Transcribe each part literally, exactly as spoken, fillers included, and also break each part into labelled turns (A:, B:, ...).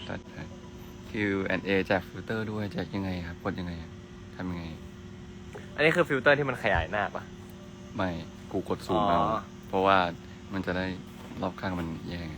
A: ตัดไป คิว แอนด์ เอ แจกฟิลเตอร์ด้วยแจกยังไงครับกดยังไงทำยังไง
B: อันนี้คือฟิลเตอร์ที่มันขยายหน้าปะ
A: ไม่กูกดซูมเอาเพราะว่ามันจะได้รอบข้างมันแย่ง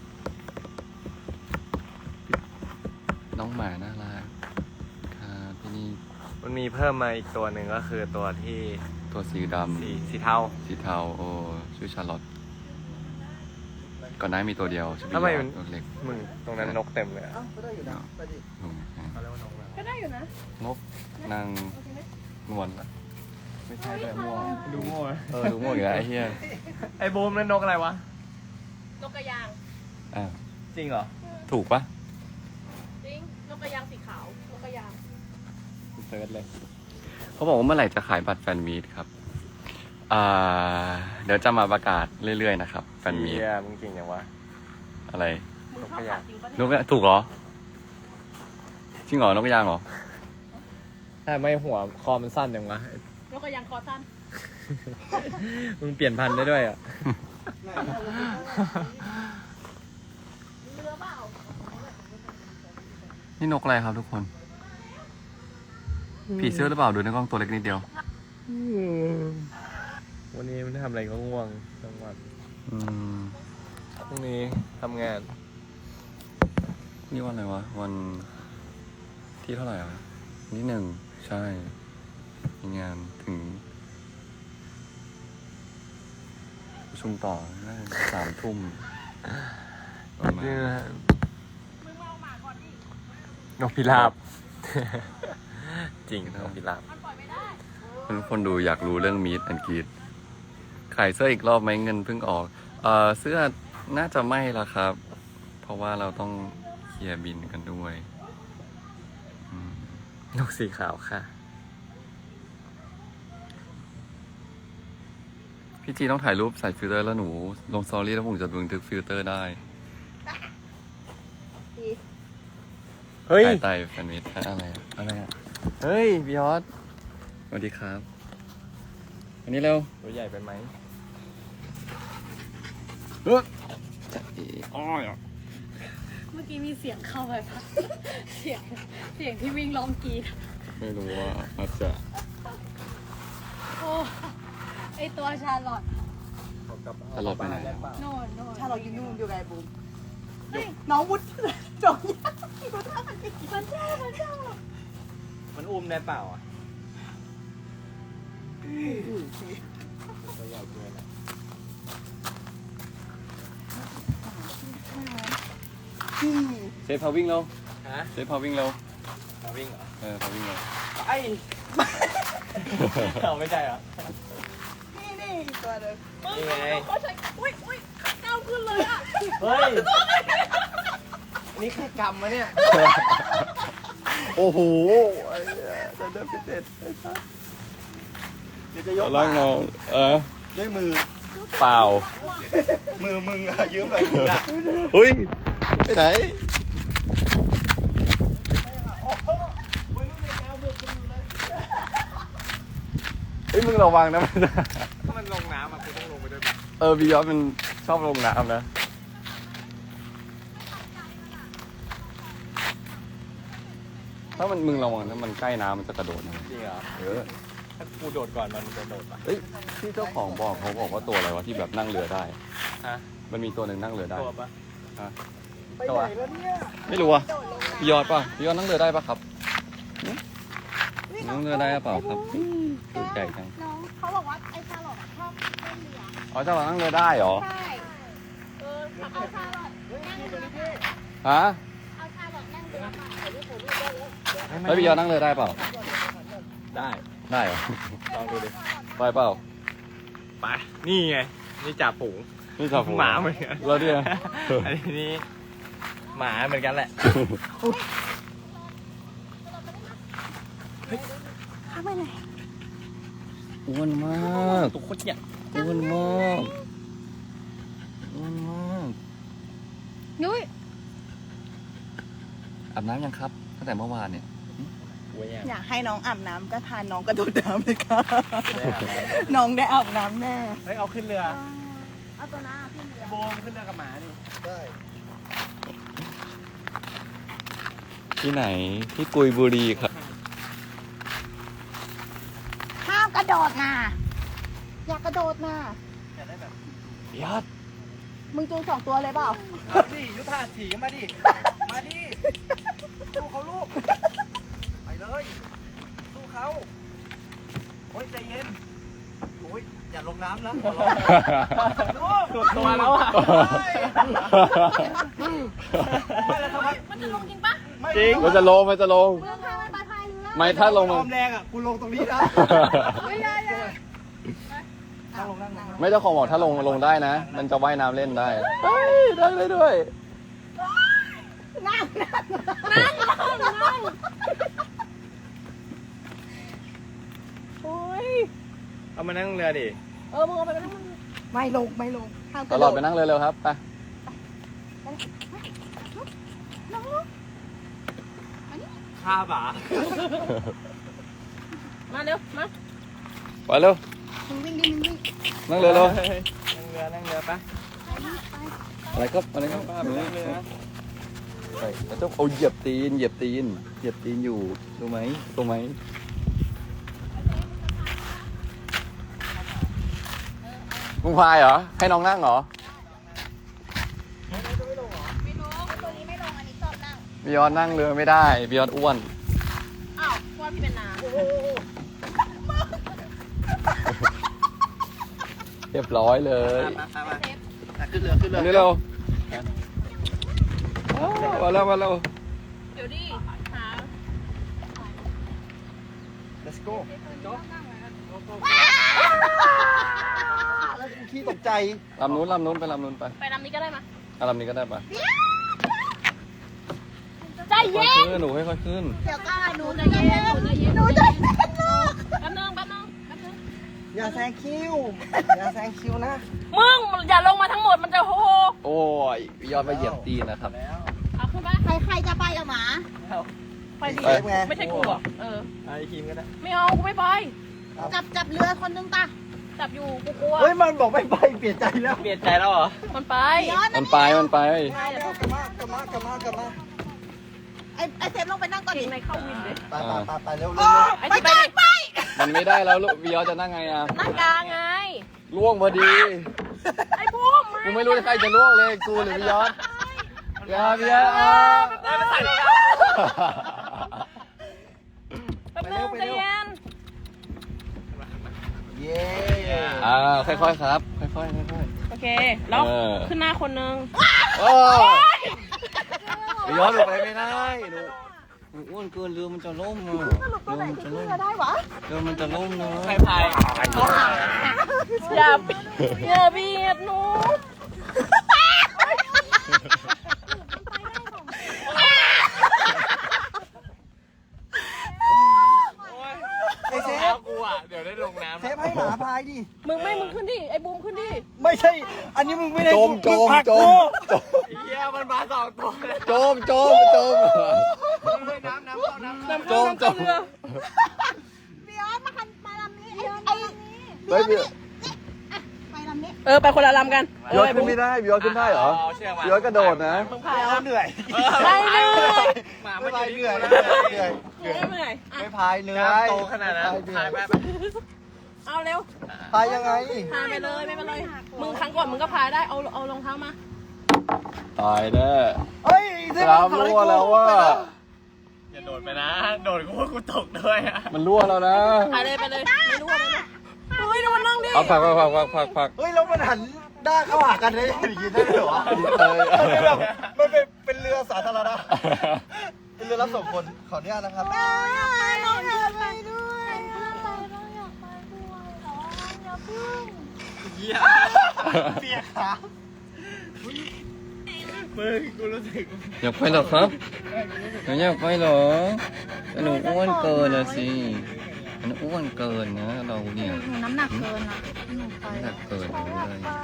A: น้องหมาน่ารักครับพี่นี่
B: มันมีเพิ่มมาอีกตัวหนึ่งก็คือตัวที่
A: ตัวสีดำ
B: สีสีเทา
A: สีเทาโอ้ชื่อชาร์ลอตก่อนหน้ามีตัวเดียวชื่อ
B: ทำไม
A: บิ
B: มัน
A: ตัวเล็ก
B: มึงตรงนั้นนกเต็มเลยอะ
C: ก็ได้อยู่นะไปดิ
A: อืม
B: เขาเรียกว่านกอะไร
D: ก็ได้อยู่นะ
A: นกนางนวลปะไม่ใช่แต่ม่วง
B: ดูโง่
A: เออดูม่วงอีกแล้วไอ้เหี้ย
B: ไอ้บูมนั่นนกอะไรวะ
D: นกกระยาง
A: อ่า
B: จริงเหรอ
A: ถูกปะ
D: จริง นกกระยางสีขาว นกกระยาง
B: เซิร์ชเลย
A: เขาบอกว่าเมื่อไหร่จะขายบัตรแฟนมีตครับอ่าเดี๋ยวจะมาประกาศเรื่อยๆนะครับแฟนมีต
B: เฮียมึงเก่งอย่างวะ
A: อะไร
D: มึงชอบสัตว์จริงปะ
A: น
D: เนี่ย
A: กถูกเหรอจริงเหรอนกกระยางเหรอ
B: ถ้าไม่หัวคอมันสั้นอย่างวะ
D: นกกระยางคอสั้น
B: มึงเปลี่ยนพันธุ์ได้ด้วยอ่ะ
D: เรือเปล่า
A: นี่นกอะไรครับทุกคนผีเสื้อหรือเปล่าดูในกล้องตัวเล็กนิดเดียว
B: วันนี้มันทำอะไรก็ง่วงทั้งวัน
A: อืม
B: พรุ่งนี้ทำงาน
A: นี่วันอะไรวะวันที่เท่าไหร่อ่ะนี่หนึ่งใช่มีงานถึงประชุมต่อน่าจะสามทุ่มประมาณ
B: นี่นะฮะ
D: มึงมาเอาหมาก่อนดิ
B: นกพิราบ จริงนกพิราบ
D: มันปล่อยไม่ได้
A: ทุกคนดูอยากรู้เรื่องมีดแอนกีดขายเสื้ออีกรอบไหมเงินเพิ่งออกเออเสื้อน่าจะไม่ละครับ เพราะว่าเราต้องเคลียร์บินกันด้วยอืม
B: นกสีขาวค่ะ
A: พี่จีต้องถ่ายรูปใส่ฟิลเตอร์แล้วหนูลงสตอรี่แล้วผมจะบันทึกฟิลเตอร์ได้
B: เฮ้ย
A: ถ่ายไต่แฟนมิตอะไรอะอะไรอะเฮ้ยบิยอสสวัสดีครับอันนี้เร็ว
B: ตัวใหญ่ไปไหม
A: เฮ้ยจะเอ๋อ้อยอ่ะ
D: เมื่อกี้มีเสียงเข้าไปปะเสียง เสียงที่วิ่งร้องกรีด
A: ไม่รู้ว่าอาจจะ
D: โอ้ไอตัวชาลอต
A: ตลอดไปไหนอะ
D: โน่นโน่น
C: ถ้าเราอยู่นู่นอยู่ไงบูม
D: เฮ้ย
C: น้องวุฒิจงยากดูท่ามันดิ
D: มันชอบมันชอบ
B: มันอุ้มได้เปล่าอ่ะตัวใหญ่เกินอ่ะ
C: ที่
A: เซฟพาวิ่งเร็ว
B: ฮะ
A: เซฟพาวิ่งเร็ว
B: มาวิ่งเหรอ
A: เออพาวิ่งเร็ว
B: ไอ้ เอาไม่ใช่เหรอ
C: นี่นี่อีกตัวหนึง
D: มึง
B: นี่ไง
D: เขาใช้อุ้ยอุ้ยก้าวขึ้นเลยอ่ะ
B: เฮ้ย นี่แค่กำมะเนี่ย
A: โอ้โห
B: จะเดินพิเศษ
C: เดี๋ยวจะยก
A: ล่างเราเออ
C: ด้วยมือ
A: เปล่า
C: มือมึงอะยืมเลยมึงอะ
A: เฮ้ยไปไหนเฮ้ยมึงระวังนะมัน
B: ถ้ามันลงน้ำอ่ะกูต้องลงไปด้วยปะ
A: เออบิยอสมันชอบลงน้ำนะถ้ามันมึงระวังถ้ามันใกล้น้ำมันจะกระโดดนะ
B: จริงเหรอ
A: เออ
B: ถ้ากูโดดก่อนมันจะโดดปะ
A: เฮ้ยที่เจ้าของบอกเขาบอกว่าตัวอะไรวะที่แบบนั่งเรือได้
B: ฮะ
A: มันมีตัวหนึ่งนั่งเรือได้
B: ตัวปะ
C: ไปไหนแล้วเนี่ย
A: ไม่รู้อ่ะพี่ยอดป่ะพี่ยอดนั่งเรือได้ป่ะครับหึนั่งเรือได้หรือเปล่าครับตัวใหญ่จัง
D: น้องเขาบอกว่าไอชาลอตชอบเล่นเรือ
A: อ๋อเจ้านั่งเรือได้เหรอ
D: ใช่เออเอาชาลอตนั่งเรือมา
A: ฮะ
D: เอาชาลอตนั่งเรือมา
A: แล้วพี่ยอดนั่งเรือได้เปล่า
B: ได้
A: ได้เหรอ
B: ลองดูดิ
A: ไปเปล่า
B: ไป นี่ไง นี่จ่าฝูง
A: นี่จับ
B: หมาเหมือนกัน
A: แล้วเนี่ย
B: อันนี้หมาเหมือนกันแหละ
D: เข้าไปไหน
A: อ้วนมาก
B: ตุ๊กคนเนี่ย
A: อ้วนมากอ้วนมาก
D: นุ้ย
A: อาบน้ำยังครับตั้งแต่เมื่อวานเนี่ย
B: โอ้ย
C: อยากให้น้องอาบน้ำก็พาน้องกระโดดน้ำเลยค่ะ
B: ได้อาบน้ำ
C: น้องได้อาบน้ำแน่
B: เฮ้ย เอาขึ้นเรือ
D: เอาตัวหน้าขึ้นเรือ
B: โบมขึ้นเรือกับหมาดิ
C: ได้
A: ที่ไหนที่กุยบุรีครับ
C: ห้ามกระโดดนะอยากกระโดดนะ
A: ยอด
C: มึงจูงสองตัวเลยเปล่า
E: มาดิยุทธาถีมาดิ มาดิ สู้เขาลูก ไปเลย สู้เขาโอ้ยใจเย็น โอ้ยอย่าลงน้ำนะขอร้องลูก
B: ตัวแล้วอ่ะ
E: ไม่แล้วทำไม
D: มันจะลงจริงปะ
E: ไม่
B: จริง
A: มันจะลงมันจะลง
D: เรื่องทางมันปลอดภัยอยู่แล้ว
A: ไม่ถ้าลง
E: ค
A: มัน
E: วามแรงอ่ะกูลงตรงนี้นะ
D: ไม่ได้เลย
E: นั่งลงนั่งลง
A: ไม่เจ้าของบอกถ้าลงลงได้นะ มันจะว่ายน้ำเล่นได้เฮ้ยได้เลยด้วย
C: นั่งนั่ง
D: นั่งนั่งนั่ง
C: โอ้ย
B: เอามานั่งเรือดิ
C: เออมึงเอาไปนั่งไม่ลงไม่ลงห้ามก
A: ต
C: ระ
A: ล
C: โด
A: อด
C: ด
A: ไปนั่งเร็วๆครับไป
C: น้อง
E: ข้าบ่า
D: มาเร็ว มา
A: ไปเร็ว
C: มึงวิ่งดิมึงวิ่ง
A: นั่งเร็วเร็ว
B: นั่งเรือนั่งเรือปะ
A: อะไรครับอะไรครับ
B: นั่งเรือ
A: ไปแล้วเจ้าเอาเหยียบตีนเหยียบตีนเหยียบตีนอยู่รู้ไหมรู้ไหมมึงพายเหรอให้น้องนั่งเหรอ
C: ไม่ลงตัวนี้ไม่ลงอันนี้ชอบนั่ง
A: บิยอนนั่งเรือไม่ได้บิยอนอ้วน
D: อ้าวว่าพี่เป็นนา
A: เรียบร้อยเลย
E: มามามาขึ้นเรือขึ้นเรือ
A: อันนี้เร็วอ้าวมาแล้วมาแล้ว
D: เดี๋ยวดิหา
E: let's go แล้วกูขี้ตกใจ
A: ลำนู้นลำนู้นไปลำนู้นไป
D: ไปลำนี้ก็ได้มา
A: อ่ะลำนี้ก็ได้ปะ
D: ใจ
A: ค่อย
D: เย็น
A: ขึ้นหนูค่อยๆขึ้น
C: เดี๋ยวก่อนหนู
D: ใจ
C: จะ
D: เย็
C: เย็
D: น
C: น
D: ใจเย็น
C: หนูจะเย็นลูก
D: แป๊บนึงแป๊บนึงแป๊บนึง
E: อย่าแซงคิว อย่าแซงคิวนะ
D: มึงอย่าลงมาทั้งหมดมันจะโฮโฮ
A: โอ้ยบิยอนไปเหยียบตีนนะครับ
E: แล้ว
D: เอาขึ้นไป
C: ใครใครจะไปกับหมา
D: ไปดิ
A: ไป
D: ไม่ใช่กูหรอกเออ
B: ไอ้ทีมก็ได้
D: ไม่เอากูไม่ไป
C: จับจับเรือคนนึงตา
D: จับอยู่กูกลัว
E: เฮ้ยมันบอกไม่ไปเปลี่ยนใจแล้ว
B: เปลี่ยนใจแล้วเหรอ
D: มันไป
C: ย้อน
A: มันไปมันไป
C: ไปเดี๋ยว
E: กลับมากลับมากลับมากลับมา
C: ไอ้ไอ้เซฟลงไปนั่งก่อน
D: เก่
C: ดิ
D: งในเข้าวินเลย
E: ไปไปไปไปเร็วเร็ว
D: ไอ้
C: ไป
D: ที่ไป
C: ก่อน
D: ดิ
C: ไป
A: มันไม่ได้แล้วลูกบิยอนจะนั่งไงอ่ะ
D: นั่งกลางไง
A: ล่วงพอดี
D: ไอ้บูม
A: กูไม่รู้ใครจะล่วงเลยกูหรือบิยอนบิยอนบิยอนอ่ะ
D: แป๊บนึงใจเย็น
E: เย้
A: อ่าค่อยๆครับค่อยๆค่อย
D: โอเค แล้ว
A: เออ
D: ขึ้นหน้าคนนึง
A: ๆโอ้บิยอนลงไปไม่ได้หนูหนูอ้วนเกินเรือมันจะล่มอ่ะ
C: สรุปตัวไหน
A: เรือมันจะ
C: ที่
A: ล่ม
C: เรือได้วะ
A: เรือมันจะล่มนะ
B: ใครพาย
D: อย่าอย่าเบียดหนู
E: ไอ้เซ
B: แล้
E: ฟ
B: วกูอ่ะ เดี๋ยวได้ลงน้ำ
E: เซฟให้หมาพายดิ
D: มึงไม่ มึงขึ้นดิ ไอ้บูมขึ้นดิ
E: ไม่ใช่ อันนี้มึงไม่ได้
A: จมจ
E: ง
A: ม
E: ผลัก
A: จ
E: กู
A: มจม
B: เฮียมันมาสองตัวเลย
A: จมจมจม
E: น้ำน้ำเข้าน้ำเข้า
A: จมจม
C: เดี๋ยวมาคันมาลำนี้ไอ้ไอ้
A: เฮ้ยบิย
C: ไปลำนี้
D: เออ ไปคนละลำกัน
A: บิยอนขึ้นไม่ได้บิยอนขึ้นได้เหรอ
B: เชือกมา
A: บิยอนกระโดดนะ
D: มึงพาย
E: เอาเหนื่อย
D: ไปเลย
B: หมา
E: ไม่
B: ไม่
E: พาย
B: เห
E: เหนื่
B: นื่
E: อ
B: อย ย
E: เหนื่อยเหนื่อย
D: ไม่เหนื่อยอ่ะ
E: ไม่พายเหนื่อย
B: น้ำโตขนาดนั้น
E: ไม่
B: พาย
E: พาย
B: ไป
E: เหนื่อย
B: ไป
D: เอาเร็ว
E: พายยังไง
D: พายไปเลย ไม่เป็นไร มึงครั้งก่อนมึงก็พายได้ เอาเอารองเท้ามา
A: ตายแน่
E: เฮ้ยเซฟ
A: น้ำรั่วแล้วว่า
B: อย่าโดดไปนะ โดดกูว่ากูตกด้วยอ่ะ
A: มันรั่วแล้วนะ
D: ไปเลยไปเลย ไม่รู้อะไรเลยเฮ้ยดูมันนั่งดิ
A: เอาผักผักผักผักผักผัก
E: เฮ้ยแล้วมันหันด้านเข้าหากันได้อย่างนี้ได้เหรอ
A: เออ
E: มันเป็นแบบมันเป็นเป็นเรือสาธารณะ เป็นเรือรับส่งคนขออนุญาตนะครับ
C: น้องอยากไปด้วย
B: เฮีย
E: เปียกขา
B: มึงกูรู้สึก
A: อยากไปเหรอครับหนูอยากไปเหรอแต่หนูอ้วนเกินนะสิมันอ้วนเกินนะเราเนี่ย
C: หนูน้ำหนักเกินอ่ะหนูไป
A: น้ำหนักเกินเลย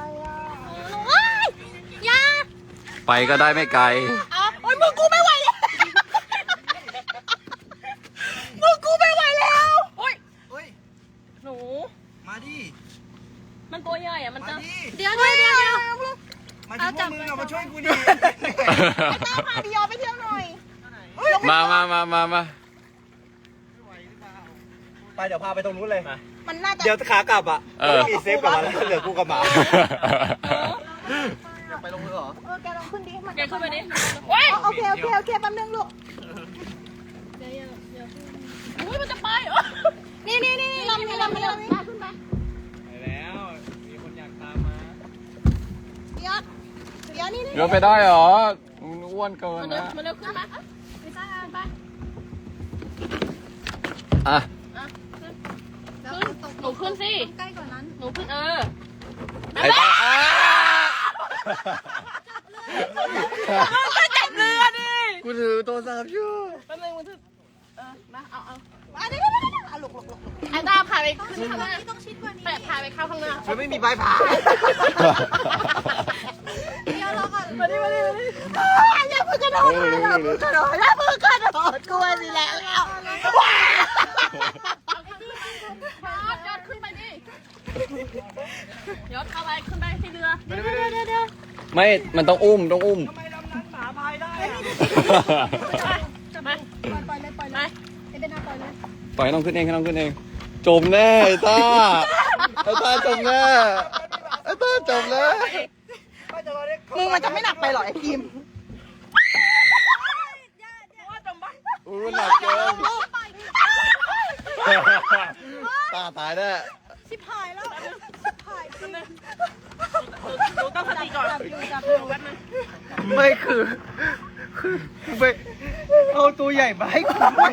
C: อย่า
A: ไปก็ได้ไม่ไกล
C: เอาโอ้ยมึงกูไม่ไหวแล้วมึงกูไม่ไหวแล้ว
D: โอ้ย
E: เฮ้ย
D: หนู
E: มาดิ
D: มันตัวใหญ่อะมัน
E: มา
D: จะ
E: ดิ
C: เดี๋ยวเดี๋ยวเดี๋ยวเดี๋ยว
E: มาดิพวกมึงเอามาช่วยกูดิ
C: ไอ้เต้าพาพี่ยอไปเที่ยวหน่อยลง
A: มามามามามา
E: ไปเดี๋ยวพาไปตรงนู้นเลย
C: มันน่าจะ
E: เดี๋ยวขากลับอ่ะ
A: เออ
E: มีเซฟกลับมาแล้วเหลือกูกับหมาไปลงมือเหรอ
C: เออแกลองขึ้นดิมัน
D: แกขึ้นไปดิ
C: อ๋อโอเคโอเคโอเคแป๊บนึงลูก
D: อุ้ยมันจะไปเหรอ
C: นี่นี่นี่นี่ลำนี่ลำนี่ลำนี่ขึ้นไป
E: ไปแล้ว มีคนอยากตามมา
C: เดี๋ยวเดี๋ยวนี่นี่
A: เดี๋ยวไปได้เหรอมึงอ้วนเกิน
D: มันเร็ว
A: นะ
D: มันเร็วขึ้นมาไปจ้าไป
A: อ่ะ
C: แล้วตก
D: หนูขึ้นสิ
C: ใกล้กว่านั้น
D: หนูขึ้นเออ
A: ไอ้ตาอ่ะ
D: จะจับเรือดิ
A: กูถือโทรศัพท์อยู่
D: แป๊บนึงมันถือเออมาเอาเอา
C: อ่ะเดี๋ยวเดี๋ยวเดี๋ยวอ่ะหลบหลบหลบ
D: ไอ้ตาพาไป
C: ต้อง
D: ขึ้
C: ชิ
D: น
C: ด
D: ข้าง
C: ก
D: ห
C: ว่า
D: น้า
C: นี้ต้องชิดกว่านี้
D: แปะพาไปเข้าข้างหน้า
E: มันไม่มีใบผ่า
C: เดี๋ยวรอก่อน
D: มาดิมาดิมาดิ
C: อย่าเพิ่งกระโดดอย่าเพิ่งกระโดดอย่าเพิ่งกระโดดกลัวสิแล้วแล้ว
D: ยอดยอดขึ้นไปดิยอดเข้าไปขึ้นไปที่เรือ
C: เดี๋ยวเดี๋ยวเดี๋ยวเดี๋ยว
A: ไม่ มันต้องอุ้ม ต้องอุ้ม
E: ทำไมลำนั้นหมาพายได้อะ
D: ไป
C: ปล่อยเลยปล่อยเลยไอ้เป็นหน้าปล่อยเลย
A: ปล่อยให้น้องขึ้นเองให้น้องขึ้นเอง จมแน่ไอ้ต้าไอ้ต้าจมแน่ไอ้ต้าจมแน่
E: ไม่จะรอเรียก
C: มึงมันจะไม่หนักไปหรอไอ้คิม
A: อู้หนักเกินตาตายแน่
C: ชิบหายแล้วหายจริง
D: หนูต้องสติก่อน
C: จับอยู่จับอยู่
E: ไม่คือคือไปเอาตัวใหญ่มาให้กูไป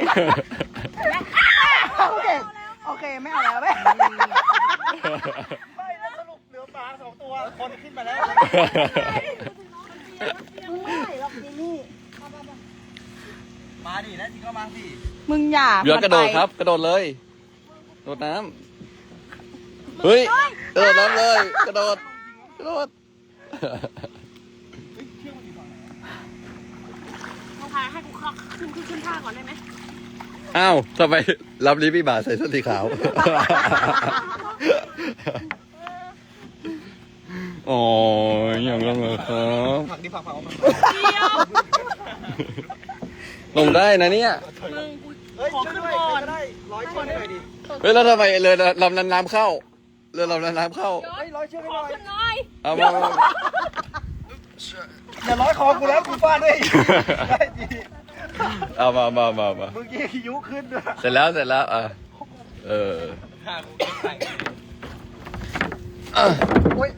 C: โอเคโอเคไม่เอาแล้วไม่
E: ไม่แล้วสรุปเหลือปลาสองตัว คนขึ้นมาแล้ว
C: มึงไม่ไหวหรอกนี่นี่
E: มาดินะจริงก็มาสิ
C: มึงอย่า
A: เรือกระโดดครับ กระโดดเลย โดดน้ำเฮ้ย กระโดดน้ำเลย กระโดด กระโดด
D: มึงพาให้กูขึ้นขึ้นขึ้นท่าก่อนได้ไหม
A: อ้าวทำไมรับลิพี่บาใส่เสื้อสีขาว อ๋ออย่างนั้นเหรอครับ
E: ผักดิผักผัก
D: เดียว
A: ลงได้นะเนี่ย
D: มึงกู
E: เฮ้ย
D: ขอ
E: ช่วย
D: ขึ้น
E: ด้วย
D: ก่อน
E: ก็ได้ร้อยช่วยหน่อยดิ
A: เฮ้ยแล้วทำไมเรือลำนั้นน้ำเข้า เรือลำนั้นน้ำเข้า
E: เฮ้ยร้อยช่วย
D: ข
E: ห
D: อ
E: น่อย
D: ขึ้นหน่อย
A: เอามามา
E: อย่าร้อยคอกูแล้วกูฟาดด้วยได้ดี
A: เอามามามามา
E: เมื่อกี้คิ้วขึ้นด้วย
A: เสร็จแล้วเสร็จแล้วอ่ะเออ
E: ฆ่ากูเก็บใส่
A: อ่ะ
E: โอ้ย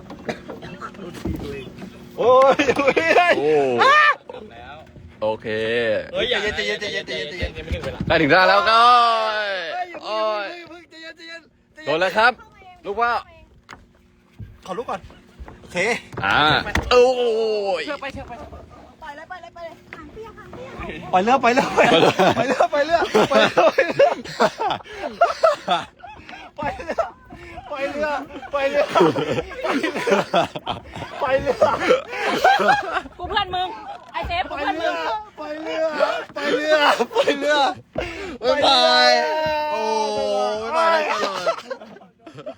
E: โอ้ยโอ้ย
A: โอ้
E: แล้ว
A: โอเค
E: เฮ้ยใจเย็นใจเย็นใจเย็นใจเย็นใจเย็นยังไม่ถึงเวลา
A: ใกล้ถึงได้แล้วก็
E: เฮ้ย
A: โอ้ย
E: เพิ่งใจเย็นใจเย็น
A: โดนแล้วครับ ลูกว่า
E: ขอลุกก่อนโอเค
A: อ่าโอ้ย
D: เชือกไปเชือกไป
C: ปล่อยเลยปล่อยเลยปล่อยเลยหางเปียกหางเปียก
E: ปล่อยเรือปล่อยเรือปล่อยเรือปล่อยเรือปล่อยเรือปล่อยเรือปล่อยเรือปล่อยเรือปล่อยเรือปล่อยเรือ
D: กูเพื่อนมึง ไอเซฟกู
E: ปล่อย
D: เพื่อน
E: เรื
D: มึ
E: อง ปล่อยเรือปล่อยเรือปล่อยเรือ
A: บ๊ายบายโอ้บ๊ายบายตลอด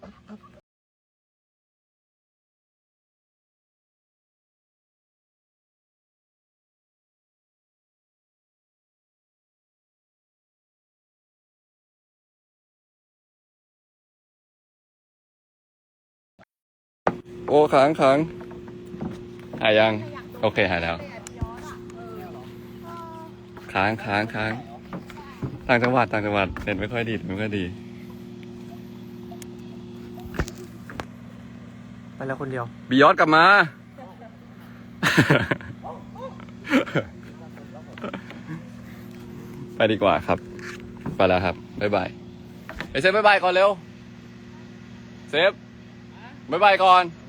A: โอ้ค้างค้างหายยัง โอเคหายแล้ว ค้างค้างค้างต่างจังหวัดต่างจังหวัดเน็ตไม่ค่อยดีไม่ค่อยดี
B: ไปแล้วคนเดียว
A: บียอดกลับมา ไปดีกว่าครับ ไปแล้วครับ บ๊ายบายไอเซฟบ๊ายบายก่อนเร็ว เซฟบ๊ายบายก่อน